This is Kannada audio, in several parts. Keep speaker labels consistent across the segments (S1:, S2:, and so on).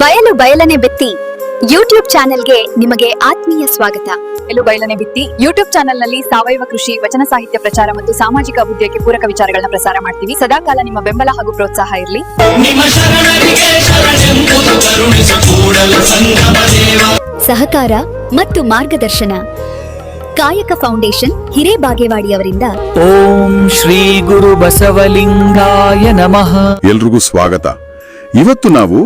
S1: ಬಯಲು ಬಯಲನೆ ಬಿತ್ತಿ ಯೂಟ್ಯೂಬ್ ಚಾನೆಲ್ಗೆ ನಿಮಗೆ ಆತ್ಮೀಯ ಸ್ವಾಗತ.
S2: ಬಯಲು ಬಯಲನೆ ಬಿತ್ತಿ ಯೂಟ್ಯೂಬ್ ಚಾನೆಲ್ನಲ್ಲಿ ಸಾವಯವ ಕೃಷಿ, ವಚನ ಸಾಹಿತ್ಯ ಪ್ರಚಾರ ಮತ್ತು ಸಾಮಾಜಿಕ ಅಭಿವೃದ್ಧಿಗೆ ಪೂರಕ ವಿಚಾರಗಳನ್ನ ಪ್ರಸಾರ ಮಾಡ್ತೀವಿ. ಸದಾಕಾಲ ನಿಮ್ಮ ಬೆಂಬಲ ಹಾಗೂ ಪ್ರೋತ್ಸಾಹ ಇರಲಿ.
S1: ಸಹಕಾರ ಮತ್ತು ಮಾರ್ಗದರ್ಶನ ಕಾಯಕ ಫೌಂಡೇಶನ್ ಹಿರೇಬಾಗೇವಾಡಿಯವರಿಂದ.
S3: ಓಂ ಶ್ರೀ ಗುರು ಬಸವಲಿಂಗಾಯ ನಮಃ.
S4: ಎಲ್ರಿಗೂ ಸ್ವಾಗತ. ಇವತ್ತು ನಾವು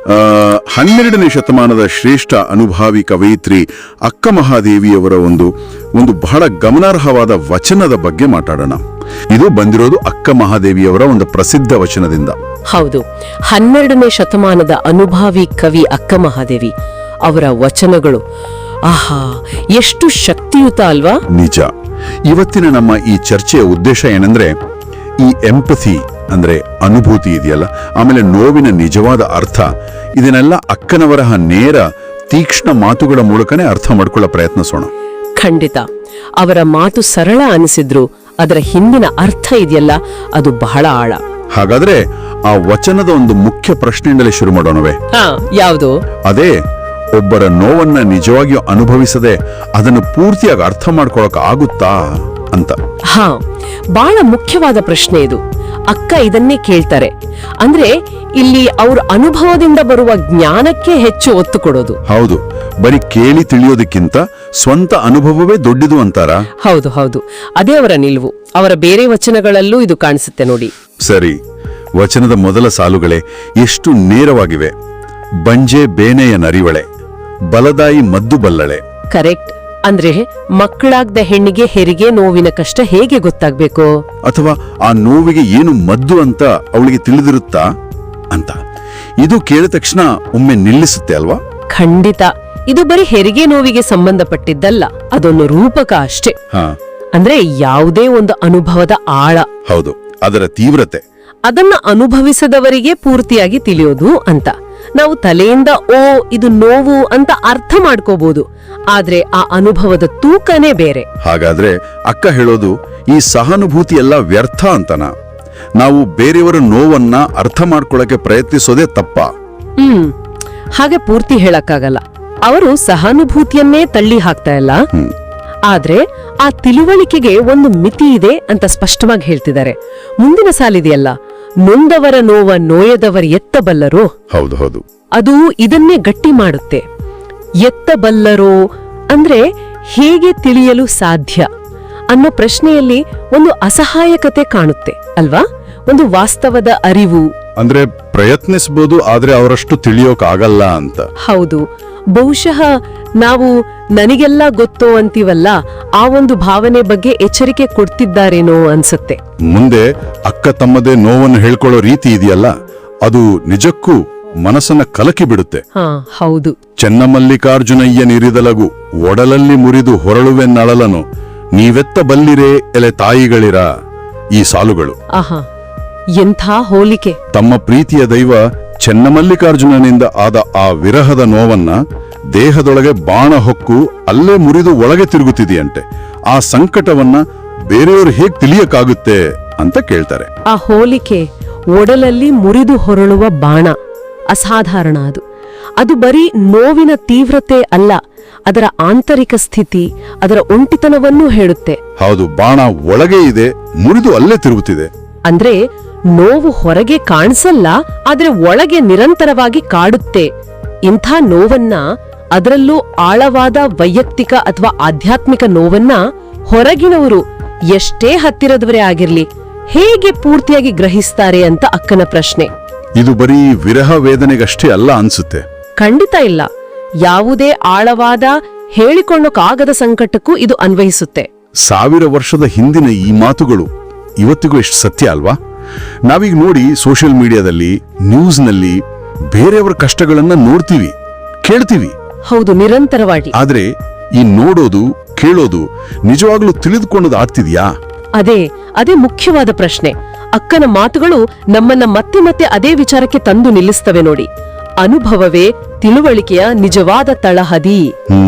S4: 12ನೇ ಶತಮಾನದ ಶ್ರೇಷ್ಠ ಅನುಭಾವಿ ಕವಯಿತ್ರಿ ಅಕ್ಕ ಮಹಾದೇವಿಯವರ ಒಂದು ಬಹಳ ಗಮನಾರ್ಹವಾದ ವಚನದ ಬಗ್ಗೆ ಮಾತಾಡೋಣ. ಇದು ಬಂದಿರೋದು ಅಕ್ಕ ಮಹಾದೇವಿಯವರ ಒಂದು ಪ್ರಸಿದ್ಧ ವಚನದಿಂದ.
S5: ಹೌದು, 12ನೇ ಶತಮಾನದ ಅನುಭಾವಿ ಕವಿ ಅಕ್ಕ ಮಹಾದೇವಿ ಅವರ ವಚನಗಳು ಆಹಾ, ಎಷ್ಟು ಶಕ್ತಿಯುತ ಅಲ್ವಾ?
S4: ನಿಜ. ಇವತ್ತಿನ ನಮ್ಮ ಈ ಚರ್ಚೆಯ ಉದ್ದೇಶ ಏನಂದ್ರೆ, ಈ ಎಂಪಥಿ ಅಂದ್ರೆ ಅನುಭೂತಿ ಇದೆಯಲ್ಲ, ಆಮೇಲೆ ನೋವಿನ ನಿಜವಾದ ಅರ್ಥ, ಇದನ್ನೆಲ್ಲ ಅಕ್ಕನವರ ನೇರ ತೀಕ್ಷ್ಣ ಮಾತುಗಳ ಮೂಲಕನೇ ಅರ್ಥ ಮಾಡ್ಕೊಳ್ಳೋ ಪ್ರಯತ್ನಿಸೋಣ.
S5: ಖಂಡಿತ. ಅವರ ಮಾತು ಸರಳ ಅನಿಸಿದ್ರು ಅದರ ಹಿಂದಿನ ಅರ್ಥ ಇದೆಯಲ್ಲ, ಅದು ಬಹಳ ಆಳ.
S4: ಹಾಗಾದ್ರೆ ಆ ವಚನದ ಒಂದು ಮುಖ್ಯ ಪ್ರಶ್ನೆಯಿಂದಲೇ ಶುರು ಮಾಡೋಣವೇ?
S5: ಯಾವುದು?
S4: ಅದೇ, ಒಬ್ಬರ ನೋವನ್ನ ನಿಜವಾಗಿಯೂ ಅನುಭವಿಸದೆ ಅದನ್ನು ಪೂರ್ತಿಯಾಗಿ ಅರ್ಥ ಮಾಡ್ಕೊಳಕ್ ಆಗುತ್ತಾ ಅಂತ.
S5: ಬಹಳ ಮುಖ್ಯವಾದ ಪ್ರಶ್ನೆ ಇದು. ಅಕ್ಕ ಇದನ್ನೇ ಕೇಳ್ತಾರೆ. ಅಂದ್ರೆ ಇಲ್ಲಿ ಅವ್ರ ಅನುಭವದಿಂದ ಬರುವ ಜ್ಞಾನಕ್ಕೆ ಹೆಚ್ಚು ಒತ್ತು ಕೊಡೋದು.
S4: ಹೌದು, ಬರೀ ಕೇಳಿ ತಿಳಿಯೋದಕ್ಕಿಂತ ಸ್ವಂತ ಅನುಭವವೇ ದೊಡ್ಡದು ಅಂತಾರ?
S5: ಹೌದು ಹೌದು, ಅದೇ ಅವರ ನಿಲುವು. ಅವರ ಬೇರೆ ವಚನಗಳಲ್ಲೂ ಇದು ಕಾಣಿಸುತ್ತೆ ನೋಡಿ.
S4: ಸರಿ, ವಚನದ ಮೊದಲ ಸಾಲುಗಳೇ ಎಷ್ಟು ನೇರವಾಗಿವೆ. ಬಂಜೆ ಬೇನೆಯ ನರಿವಳೆ, ಬಲದಾಯಿ ಮದ್ದು ಬಲ್ಲಳೆ.
S5: ಕರೆಕ್ಟ್. ಅಂದ್ರೆ ಮಕ್ಕಳಾಗ್ದ ಹೆಣ್ಣಿಗೆ ಹೆರಿಗೆ ನೋವಿನ ಕಷ್ಟ ಹೇಗೆ ಗೊತ್ತಾಗ್ಬೇಕು,
S4: ಅಥವಾ ಆ ನೋವಿಗೆ ಏನು ಮದ್ದು ಅಂತ ಅವಳಿಗೆ ತಿಳಿದಿರುತ್ತಾ ಅಂತ. ಇದು ಕೇಳಿದ ತಕ್ಷಣ ಒಮ್ಮೆ ನಿಲ್ಲಿಸುತ್ತೆ ಅಲ್ವಾ?
S5: ಖಂಡಿತ. ಇದು ಬರೀ ಹೆರಿಗೆ ನೋವಿಗೆ ಸಂಬಂಧಪಟ್ಟಿದ್ದಲ್ಲ, ಅದೊಂದು ರೂಪಕ ಅಷ್ಟೇ. ಅಂದ್ರೆ ಯಾವುದೇ ಒಂದು ಅನುಭವದ ಆಳ.
S4: ಹೌದು, ಅದರ ತೀವ್ರತೆ.
S5: ಅದನ್ನ ಅನುಭವಿಸದವರಿಗೆ ಪೂರ್ತಿಯಾಗಿ ತಿಳಿಯೋದು ಅಂತ. ನಾವು ತಲೆಯಿಂದ ಓ ಇದು ನೋವು ಅಂತ ಅರ್ಥ ಮಾಡ್ಕೋಬಹುದು, ಆದ್ರೆ ಆ ಅನುಭವದ ತೂಕನೇ ಬೇರೆ.
S4: ಹಾಗಾದ್ರೆ ಅಕ್ಕ ಹೇಳೋದು ಈ ಸಹಾನುಭೂತಿ ಎಲ್ಲ ವ್ಯರ್ಥ ಅಂತನ? ನಾವು ಬೇರೆಯವರ ನೋವನ್ನ ಅರ್ಥ ಮಾಡ್ಕೊಳ್ಳಕ್ಕೆ ಪ್ರಯತ್ನಿಸೋದೇ ತಪ್ಪ?
S5: ಹಾಗೆ ಪೂರ್ತಿ ಹೇಳಕ್ಕಾಗಲ್ಲ. ಅವರು ಸಹಾನುಭೂತಿಯನ್ನೇ ತಳ್ಳಿ ಹಾಕ್ತಾ ಇಲ್ಲ, ಆದ್ರೆ ಆ ತಿಳುವಳಿಕೆಗೆ ಒಂದು ಮಿತಿ ಇದೆ ಅಂತ ಸ್ಪಷ್ಟವಾಗಿ ಹೇಳ್ತಿದ್ದಾರೆ. ಮುಂದಿನ ಸಾಲಿದೆಯಲ್ಲ, ನೊಂದವರ ನೋವ ನೋಯದವರ ಎತ್ತಬಲ್ಲರೋ.
S4: ಹೌದು ಹೌದು,
S5: ಅದು ಇದನ್ನೇ ಗಟ್ಟಿ ಮಾಡುತ್ತೆ. ಎತ್ತಬಲ್ಲರೋ ಅಂದ್ರೆ ಹೇಗೆ ತಿಳಿಯಲು ಸಾಧ್ಯ ಅನ್ನೋ ಪ್ರಶ್ನೆಯಲ್ಲಿ ಒಂದು ಅಸಹಾಯಕತೆ ಕಾಣುತ್ತೆ ಅಲ್ವಾ? ಒಂದು ವಾಸ್ತವದ ಅರಿವು.
S4: ಅಂದ್ರೆ ಪ್ರಯತ್ನಿಸಬಹುದು, ಆದ್ರೆ ಅವರಷ್ಟು ತಿಳಿಯೋಕ್ ಆಗಲ್ಲ ಅಂತ.
S5: ಹೌದು, ಬಹುಶಃ ನಾವು ನನಗೆಲ್ಲ ಗೊತ್ತೋ ಅಂತೀವಲ್ಲ, ಆ ಒಂದು ಭಾವನೆ ಬಗ್ಗೆ ಎಚ್ಚರಿಕೆ ಕೊಡ್ತಿದ್ದಾರೇನೋ ಅನ್ಸುತ್ತೆ.
S4: ಮುಂದೆ ಅಕ್ಕ ತಮ್ಮದೇ ನೋವನ್ನು ಹೇಳ್ಕೊಳ್ಳೋ ರೀತಿ ಇದೆಯಲ್ಲ, ಅದು ನಿಜಕ್ಕೂ ಮನಸ್ಸನ್ನ ಕಲಕಿ ಬಿಡುತ್ತೆ.
S5: ಹೌದು.
S4: ಚೆನ್ನಮಲ್ಲಿಕಾರ್ಜುನಯ್ಯ ನಿರಿದಲಗು ಒಡಲಲ್ಲಿ ಮುರಿದು ಹೊರಳುವೆ ನಳಲನು, ನೀವೆತ್ತ ಬಲ್ಲಿರೇ ಎಲೆ ತಾಯಿಗಳಿರ. ಈ ಸಾಲುಗಳು
S5: ಆಹಾ, ಎಂಥ ಹೋಲಿಕೆ.
S4: ತಮ್ಮ ಪ್ರೀತಿಯ ದೈವ ಚೆನ್ನಮಲ್ಲಿಕಾರ್ಜುನನಿಂದ ಆದ ಆ ವಿರಹದ ನೋವನ್ನ ದೇಹದೊಳಗೆ ಬಾಣ ಹೊಕ್ಕು ಅಲ್ಲೇ ಮುರಿದು ಒಳಗೆ ತಿರುಗುತ್ತಿದೆಯಂತೆ. ಆ ಸಂಕಟವನ್ನ ಬೇರೆಯವರು ಹೇಗ್ ತಿಳಿಯಕ್ಕಾಗುತ್ತೆ ಅಂತ ಕೇಳ್ತಾರೆ.
S5: ಆ ಹೋಲಿಕೆ, ಒಡಲಲ್ಲಿ ಮುರಿದು ಹೊರಳುವ ಬಾಣ, ಅಸಾಧಾರಣ. ಅದು ಬರೀ ನೋವಿನ ತೀವ್ರತೆ ಅಲ್ಲ, ಅದರ ಆಂತರಿಕ ಸ್ಥಿತಿ, ಅದರ ಒಂಟಿತನವನ್ನೂ ಹೇಳುತ್ತೆ.
S4: ಹೌದು, ಬಾಣ ಒಳಗೆ ಇದೆ, ಮುರಿದು ಅಲ್ಲೇ ತಿರುಗುತ್ತಿದೆ.
S5: ಅಂದ್ರೆ ನೋವು ಹೊರಗೆ ಕಾಣಿಸಲ್ಲ, ಆದ್ರೆ ಒಳಗೆ ನಿರಂತರವಾಗಿ ಕಾಡುತ್ತೆ. ಇಂಥ ನೋವನ್ನ, ಅದರಲ್ಲೂ ಆಳವಾದ ವೈಯಕ್ತಿಕ ಅಥವಾ ಆಧ್ಯಾತ್ಮಿಕ ನೋವನ್ನ ಹೊರಗಿನವರು ಎಷ್ಟೇ ಹತ್ತಿರದವರೇ ಆಗಿರ್ಲಿ ಹೇಗೆ ಪೂರ್ತಿಯಾಗಿ ಗ್ರಹಿಸ್ತಾರೆ ಅಂತ ಅಕ್ಕನ ಪ್ರಶ್ನೆ.
S4: ಇದು ಬರೀ ವಿರಹ ವೇದನೆಗಷ್ಟೇ ಅಲ್ಲ ಅನ್ಸುತ್ತೆ.
S5: ಖಂಡಿತ ಇಲ್ಲ. ಯಾವುದೇ ಆಳವಾದ ಹೇಳಿಕೊಳ್ಳೋಕಾಗದ ಸಂಕಟಕ್ಕೂ ಇದು ಅನ್ವಯಿಸುತ್ತೆ.
S4: 1000 ವರ್ಷದ ಹಿಂದಿನ ಈ ಮಾತುಗಳು ಇವತ್ತಿಗೂ ಎಷ್ಟು ಸತ್ಯ ಅಲ್ವಾ? ನಾವೀಗ ನೋಡಿ, ಸೋಷಿಯಲ್ ಮೀಡಿಯಾದಲ್ಲಿ, ನ್ಯೂಸ್ನಲ್ಲಿ ಬೇರೆಯವರ ಕಷ್ಟಗಳನ್ನ ನೋಡ್ತೀವಿ, ಕೇಳ್ತೀವಿ.
S5: ಹೌದು, ನಿರಂತರವಾಗಿ.
S4: ಆದ್ರೆ ಈ ನೋಡೋದು, ಕೇಳೋದು ನಿಜವಾಗ್ಲೂ ತಿಳಿದುಕೊಳ್ಳೋದು ಆಗ್ತಿದ್ಯಾ?
S5: ಅದೇ ಮುಖ್ಯವಾದ ಪ್ರಶ್ನೆ. ಅಕ್ಕನ ಮಾತುಗಳು ನಮ್ಮನ್ನ ಮತ್ತೆ ಮತ್ತೆ ಅದೇ ವಿಚಾರಕ್ಕೆ ತಂದು ನಿಲ್ಲಿಸ್ತವೆ ನೋಡಿ. ಅನುಭವವೇ ತಿಳುವಳಿಕೆಯ ನಿಜವಾದ ತಳಹದಿ.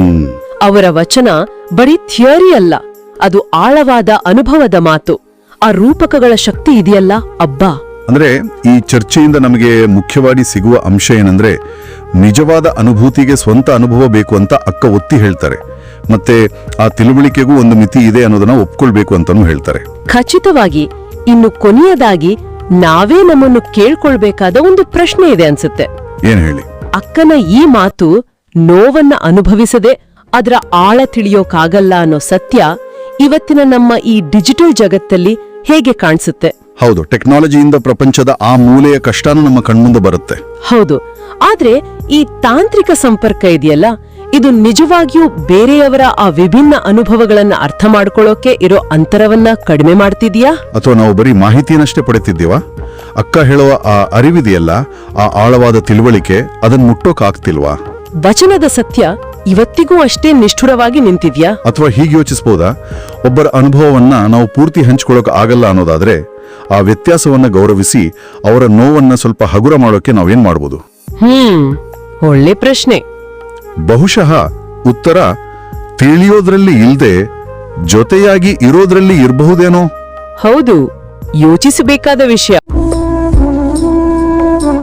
S5: ಅವರ ವಚನ ಬರೀ ಥಿಯರಿ ಅಲ್ಲ, ಅದು ಆಳವಾದ ಅನುಭವದ ಮಾತು. ಆ ರೂಪಕಗಳ ಶಕ್ತಿ ಇದೆಯಲ್ಲ, ಅಬ್ಬಾ,
S4: ಅಂದ್ರೆ ಈ ಚರ್ಚೆಯಿಂದ ನಮಗೆ ಮುಖ್ಯವಾಗಿ ಸಿಗುವ ಅಂಶ ಏನಂದ್ರೆ ನಿಜವಾದ ಅನುಭೂತಿಗೆ ಸ್ವಂತ ಅನುಭವ ಬೇಕು ಅಂತ ಅಕ್ಕ ಒತ್ತಿ ಹೇಳ್ತಾರೆ. ಮತ್ತೆ ಆ ತಿಳುವಳಿಕೆಗೂ ಒಂದು ಮಿತಿ ಇದೆ ಅನ್ನೋದನ್ನ ಒಪ್ಕೊಳ್ಬೇಕು ಅಂತಾನೂ ಹೇಳ್ತಾರೆ.
S5: ಖಚಿತವಾಗಿ. ಇನ್ನು ಕೊನೆಯದಾಗಿ ನಾವೇ ನಮ್ಮನ್ನು ಕೇಳ್ಕೊಳ್ಬೇಕಾದ ಒಂದು ಪ್ರಶ್ನೆ ಇದೆ ಅನ್ಸುತ್ತೆ.
S4: ಏನ್ ಹೇಳಿ?
S5: ಅಕ್ಕನ ಈ ಮಾತು ನೋವನ್ನ ಅನುಭವಿಸದೆ ಅದರ ಆಳ ತಿಳಿಯೋಕಾಗಲ್ಲ ಅನ್ನೋ ಸತ್ಯ ಇವತ್ತಿನ ನಮ್ಮ ಈ ಡಿಜಿಟಲ್ ಜಗತ್ತಲ್ಲಿ ಹೇಗೆ ಕಾಣಿಸುತ್ತೆ?
S4: ಹೌದು, ಟೆಕ್ನಾಲಜಿಯಿಂದ ಪ್ರಪಂಚದ ಆ ಮೂಲೆಯ ಕಷ್ಟನೂ ನಮ್ಮ ಕಣ್ಮುಂದೆ ಬರುತ್ತೆ.
S5: ಹೌದು. ಆದ್ರೆ ಈ ತಾಂತ್ರಿಕ ಸಂಪರ್ಕ ಇದೆಯಲ್ಲ, ಇದು ನಿಜವಾಗಿಯೂ ಬೇರೆಯವರ ಆ ವಿಭಿನ್ನ ಅನುಭವಗಳನ್ನ ಅರ್ಥ ಮಾಡ್ಕೊಳ್ಳೋಕೆ ಇರೋ ಅಂತರವನ್ನ ಕಡಿಮೆ ಮಾಡ್ತಿದ್ಯಾ?
S4: ಅಥವಾ ನಾವು ಬರೀ ಮಾಹಿತಿಯನ್ನಷ್ಟೇ ಪಡೆತಿದ್ದೀವಾ? ಅಕ್ಕ ಹೇಳುವ ಆ ಅರಿವಿದೆಯಲ್ಲ, ಆ ಆಳವಾದ ತಿಳುವಳಿಕೆ, ಅದನ್ನ ಮುಟ್ಟೋಕಾಗ್ತಿಲ್ವಾ?
S5: ವಚನದ ಸತ್ಯ ಇವತ್ತಿಗೂ ಅಷ್ಟೇ ನಿಷ್ಠುರವಾಗಿ ನಿಂತಿದ್ಯಾ?
S4: ಅಥವಾ ಹೀಗೆ ಯೋಚಿಸಬಹುದಾ, ಒಬ್ಬರ ಅನುಭವವನ್ನ ನಾವು ಪೂರ್ತಿ ಹಂಚ್ಕೊಳ್ಳೋಕೆ ಆಗಲ್ಲ ಅನ್ನೋದಾದ್ರೆ ಆ ವ್ಯತ್ಯಾಸವನ್ನ ಗೌರವಿಸಿ ಅವರ ನೋವನ್ನ ಸ್ವಲ್ಪ ಹಗುರ ಮಾಡೋಕೆ ನಾವೇನ್ ಮಾಡ್ಬೋದು?
S5: ಒಳ್ಳೆ ಪ್ರಶ್ನೆ.
S4: ಬಹುಶಃ ಉತ್ತರ ತಿಳಿಯೋದ್ರಲ್ಲಿ ಇಲ್ದೆ ಜೊತೆಯಾಗಿ ಇರೋದ್ರಲ್ಲಿ ಇರಬಹುದೇನೋ.
S5: ಹೌದು, ಯೋಚಿಸಬೇಕಾದ ವಿಷಯ.